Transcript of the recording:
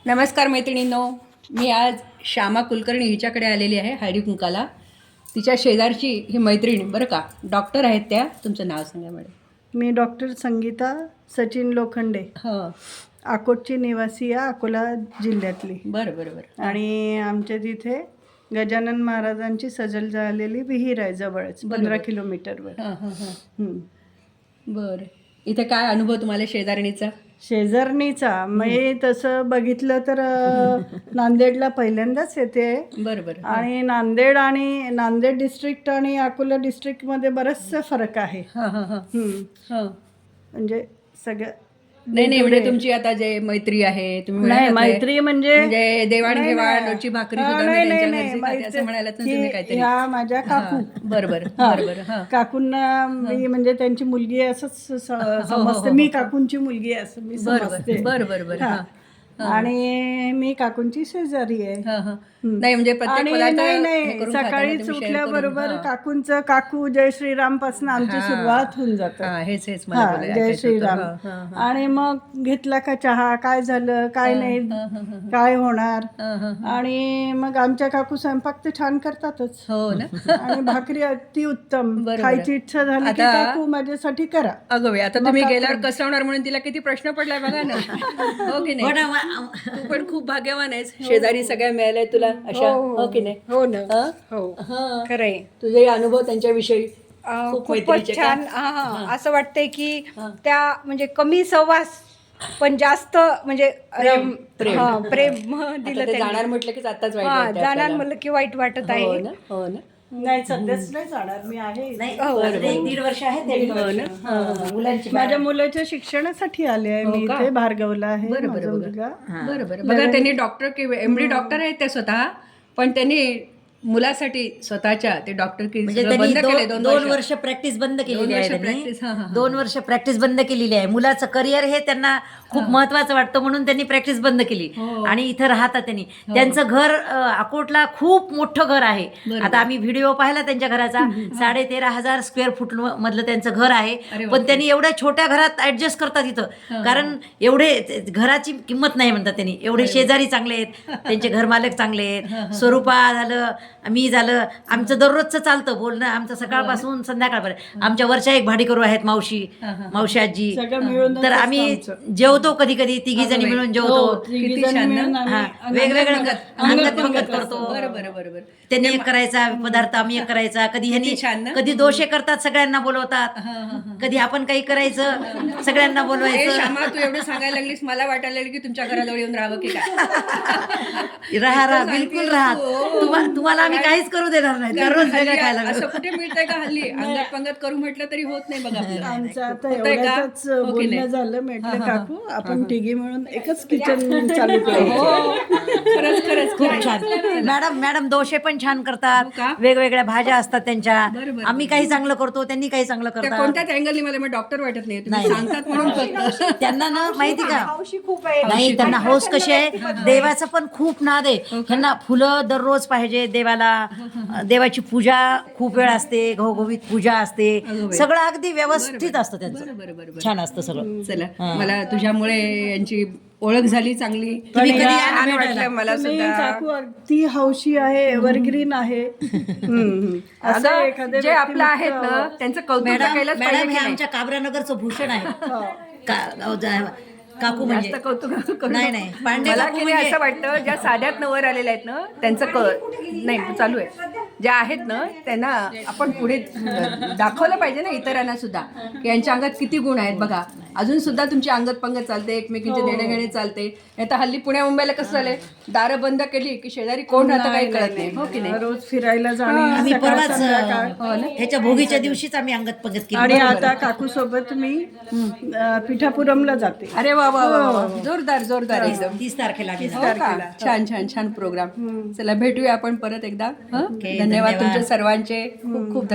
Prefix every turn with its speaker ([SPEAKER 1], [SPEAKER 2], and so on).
[SPEAKER 1] नमस्कार मैत्रिणींनो, मी आज श्यामा कुलकर्णी हिच्याकडे आलेली आहे हळदी कुंकाला. तिच्या शेजारची ही मैत्रीण बरं का, डॉक्टर आहेत त्या. तुमचं नाव सांगा मॅडम.
[SPEAKER 2] मी डॉक्टर संगीता सचिन लोखंडे,
[SPEAKER 1] हो,
[SPEAKER 2] अकोटची निवासी आहे, अकोला जिल्ह्यातली.
[SPEAKER 1] बरं बरं बरं.
[SPEAKER 2] आणि आमच्या तिथे गजानन महाराजांची सजल झालेली विहीर आहे जवळच, 15 किलोमीटरवर.
[SPEAKER 1] हां हां हां. बरं, इथे काय अनुभव तुम्हाला शेजारणीचा?
[SPEAKER 2] शेजारणीचा मी तसं बघितलं तर नांदेडला पहिल्यांदाच येते.
[SPEAKER 1] बरं बरं.
[SPEAKER 2] आणि नांदेड डिस्ट्रिक्ट आणि अकोला डिस्ट्रिक्टमध्ये बराचसा फरक आहे.
[SPEAKER 1] हां हां हां हां.
[SPEAKER 2] म्हणजे सगळं
[SPEAKER 1] नाही म्हणजे तुमची आता जे मैत्री आहे तुम्ही
[SPEAKER 2] नाही,
[SPEAKER 1] म्हणालात
[SPEAKER 2] मैत्री म्हणजे
[SPEAKER 1] देवाणघेवाण, रोजची भाकरी सुद्धा मी त्यांच्या घरची खाते असं म्हणालात ना तुम्ही काहीतरी.
[SPEAKER 2] ह्या माझ्या काकू,
[SPEAKER 1] बरं बरं बरं बरं. हां.
[SPEAKER 2] काकूंना मी म्हणजे त्यांची मुलगी आहे असंच समजते. मी काकूंची मुलगी आहे असं मी समजते.
[SPEAKER 1] बरं बरं बरं. हां.
[SPEAKER 2] आणि मी काकूंची शेजारी आहे.
[SPEAKER 1] हां हां. नाही म्हणजे प्रत्येक
[SPEAKER 2] आणि
[SPEAKER 1] पदार्थ हे
[SPEAKER 2] नाही
[SPEAKER 1] करून खाता ना
[SPEAKER 2] सकाळीच
[SPEAKER 1] तुम्ही, share
[SPEAKER 2] उठल्याबरोबर
[SPEAKER 1] करून. हां.
[SPEAKER 2] काकूंचं काकू जय श्रीराम पासून आमची सुरुवात होऊन जाते.
[SPEAKER 1] हां, हेच मला
[SPEAKER 2] हा,
[SPEAKER 1] बोलायचं
[SPEAKER 2] जय
[SPEAKER 1] होतं.
[SPEAKER 2] श्रीराम.
[SPEAKER 1] हां, हां, हां.
[SPEAKER 2] आणि मग घेतला का चहा, काय झालं काय नाही, काय होणार.
[SPEAKER 1] हां, हां.
[SPEAKER 2] आणि मग आमच्या काकू स्वयंपाक तर छान करतातच.
[SPEAKER 1] हो ना.
[SPEAKER 2] आणि भाकरी अति उत्तम.
[SPEAKER 1] बरोबर.
[SPEAKER 2] खायची इच्छा झाली की
[SPEAKER 1] आता-
[SPEAKER 2] काकू माझ्यासाठी करा.
[SPEAKER 1] अगं बाई, आता तुम्ही गेल्यावर कसं होणार म्हणून तिला किती प्रश्न पडलाय बघा ना. हो की नाही? तू पण खूप भाग्यवान आहेस, शेजारी सगळ्या मिळाल्या तुला अशा. हो की नाही?
[SPEAKER 3] हो ना.
[SPEAKER 1] हां?
[SPEAKER 3] हो
[SPEAKER 1] हां.
[SPEAKER 3] खरंय.
[SPEAKER 1] तुझे अनुभव त्यांच्याविषयी खूप
[SPEAKER 3] खूपच
[SPEAKER 1] मैत्रीचे का?
[SPEAKER 3] छान. असं वाटतंय की त्या म्हणजे कमी सहवास पण जास्त म्हणजे
[SPEAKER 1] प्रेम.
[SPEAKER 3] प्रेम
[SPEAKER 1] आता
[SPEAKER 3] दिलं
[SPEAKER 1] ते
[SPEAKER 3] त्यांनी.
[SPEAKER 1] जाणार म्हटलं की आताच वाईट
[SPEAKER 3] हा,
[SPEAKER 1] वाटतंय
[SPEAKER 3] जाणार
[SPEAKER 1] आपल्याला.
[SPEAKER 3] म्हणलं की वाईट वाटत
[SPEAKER 1] हो
[SPEAKER 3] आहे.
[SPEAKER 1] ना, हो ना.
[SPEAKER 2] नाही सध्याच नाही जाणार, मी आहे इथे.
[SPEAKER 4] दीड वर्ष आहे मुलांची
[SPEAKER 2] माझ्या मुलाच्या शिक्षणासाठी आले आहे मी
[SPEAKER 1] हो का?
[SPEAKER 2] इथे. भार्गवला आहे
[SPEAKER 1] बरं
[SPEAKER 2] माझा
[SPEAKER 1] बरं
[SPEAKER 2] मुलगा.
[SPEAKER 1] बरं बरं. बघा त्यांनी डॉक्टर MD डॉक्टर आहेत ते स्वतः, पण त्यांनी मुलासाठी स्वतःच्या ते डॉक्टर
[SPEAKER 4] म्हणजे
[SPEAKER 1] बंद केले
[SPEAKER 4] त्यांनी
[SPEAKER 1] 2
[SPEAKER 4] दोन वर्ष प्रॅक्टिस बंद केलेली आहे
[SPEAKER 1] practice, हां, हां,
[SPEAKER 4] त्यांनी 2 वर्ष प्रॅक्टिस बंद केलेली आहे. मुलाचं करिअर हे त्यांना खूप महत्वाचं वाटतं म्हणून त्यांनी प्रॅक्टिस बंद केली. आणि इथं राहतात त्यांनी. त्यांचं घर अकोटला खूप मोठं घर आहे. आता आम्ही व्हिडिओ पाहिला त्यांच्या घराचा. 13,500 स्क्वेअर फूट मधलं त्यांचं घर आहे. पण त्यांनी एवढ्या छोट्या घरात ऍडजस्ट करतात इथं, कारण एवढे घराची किंमत नाही म्हणतात त्यांनी. एवढे शेजारी चांगले आहेत, त्यांचे घरमालक चांगले आहेत. स्वरूपा झालं, मी झालं, आमचं दररोजचं चालतं बोलणं आमचं सकाळपासून संध्याकाळपर्यंत. आमच्या वरच्या एक भाडीकरू आहेत मावशी आजी.
[SPEAKER 2] सगळं मिळून
[SPEAKER 4] तर आम्ही जेवतो कधी कधी तिघी जणी मिळून जेवतो.
[SPEAKER 1] किती छान ना?
[SPEAKER 4] हा, वेगवेगळं अंगत पंगत करतो.
[SPEAKER 1] बरं बरं बरं बरं.
[SPEAKER 4] त्यांनी एक करायचा पदार्थ, आम्ही एक करायचा. कधी
[SPEAKER 1] छान ना?
[SPEAKER 4] ह्यांनी कधी दोषे करतात, सगळ्यांना बोलवतात. कधी आपण काही करायचं, सगळ्यांना
[SPEAKER 1] ए,
[SPEAKER 4] बोलवायचं.
[SPEAKER 1] श्यामा, तू एवढं सांगायला लागलीस, मला वाटायला लागलं की तुमच्या घराजवळ येऊन राहावं की काय.
[SPEAKER 4] राहा बिलकुल राहा. तुम्हाला आम्ही काहीच करू देणार नाही. दररोज वेगळं
[SPEAKER 1] हल्ली
[SPEAKER 4] खायला
[SPEAKER 1] असं कुठे मिळतंय का हल्ली? अंगत पंगत करू म्हटलं तरी होत नाही बघा आपलं.
[SPEAKER 2] आमचं आता
[SPEAKER 1] होतंय का?
[SPEAKER 2] एवढ्याच
[SPEAKER 1] हो की
[SPEAKER 2] बोलणं
[SPEAKER 1] नाही?
[SPEAKER 2] झालं. म्हटलं काकू आपण तिघी मिळून एकच किचन चालू करू.
[SPEAKER 1] खरंच खरंच
[SPEAKER 4] खूप छान. मॅडम दोषे पण छान
[SPEAKER 1] हो का?
[SPEAKER 4] करतात. वेगवेगळ्या भाज्या असतात त्यांच्या.
[SPEAKER 1] बरं, बरं.
[SPEAKER 4] आम्ही काही चांगलं करतो, त्यांनी काही चांगलं
[SPEAKER 1] त्या
[SPEAKER 4] करतात.
[SPEAKER 1] कोणत्याच अँगलनी मला डॉक्टर वाटत नाही, तुम्ही
[SPEAKER 4] नाही.
[SPEAKER 1] सांगतात म्हणून फक्त.
[SPEAKER 4] त्यांना ना माहिती का,
[SPEAKER 3] हौशी खूप आहे.
[SPEAKER 4] नाही त्यांना हौस कशी आहे, देवाचा पण खूप नाद आहे. त्यांना फुलं दररोज पाहिजे देवाला. देवाची पूजा खूप वेळ असते, घवघवीत पूजा असते. सगळं अगदी व्यवस्थित असतं त्यांचं.
[SPEAKER 1] बरं.
[SPEAKER 4] छान असतं सगळं.
[SPEAKER 1] चला, मला तुझ्यामुळे यांची ओळख झाली चांगली.
[SPEAKER 4] तुम्ही कधी या
[SPEAKER 1] छान
[SPEAKER 4] ना
[SPEAKER 1] वाटलं मला
[SPEAKER 2] तुम्ही
[SPEAKER 1] सुद्धा.
[SPEAKER 2] काकू अगदी हौशी आहे, एव्हरग्रीन आहे. असं
[SPEAKER 1] अगं,
[SPEAKER 2] एखाद्या
[SPEAKER 1] जे आपलं आहेत ना त्यांचं कौतुक तर केलंच पाहिजे
[SPEAKER 4] मॅडम
[SPEAKER 1] की
[SPEAKER 4] हे
[SPEAKER 1] नाही?
[SPEAKER 4] आमच्या काबरानगरचं भूषण आहे. काकू म्हणजे
[SPEAKER 1] जास्त कौतुक करू
[SPEAKER 4] नाही,
[SPEAKER 1] नको.
[SPEAKER 4] नाही. पांडे
[SPEAKER 1] मला
[SPEAKER 4] काकू
[SPEAKER 1] की नाही
[SPEAKER 4] म्हणजे-
[SPEAKER 1] असं वाटतं, ज्या साध्यात नवर आलेल्या आहेत ना त्यांचं नाही चालू आहे, ज्या आहेत ना त्यांना आपण पुढे दाखवलं पाहिजे ना इतरांना सुद्धा की यांच्या अंगात किती गुण आहेत बघा. अजून सुद्धा तुमची अंगत पंगत चालते, एकमेकींचे देणेघेणे चालते. नाही तर हल्ली पुण्या मुंबईला कसं झालंय, दारं बंद केली की शेजारी कोण राहतं काही कळत नाही. हो की नाही?
[SPEAKER 2] रोज फिरायला जाणे,
[SPEAKER 4] आम्ही
[SPEAKER 2] सकाळ
[SPEAKER 4] परवाच
[SPEAKER 2] संध्याकाळ.
[SPEAKER 4] ह्याच्या भोगीच्या दिवशीच आम्ही अंगत पंगत केली.
[SPEAKER 2] आणि आता काकू सोबत मी पिठापुरमला जाते.
[SPEAKER 1] अरे वा वा वा वा. जोरदार एकदम.
[SPEAKER 4] 30 तारखेला आम्ही
[SPEAKER 1] हो का? छान प्रोग्राम. चला भेटूया आपण परत एकदा. हं? धन्यवाद तुमच्या सर्वांचे. खूप खूप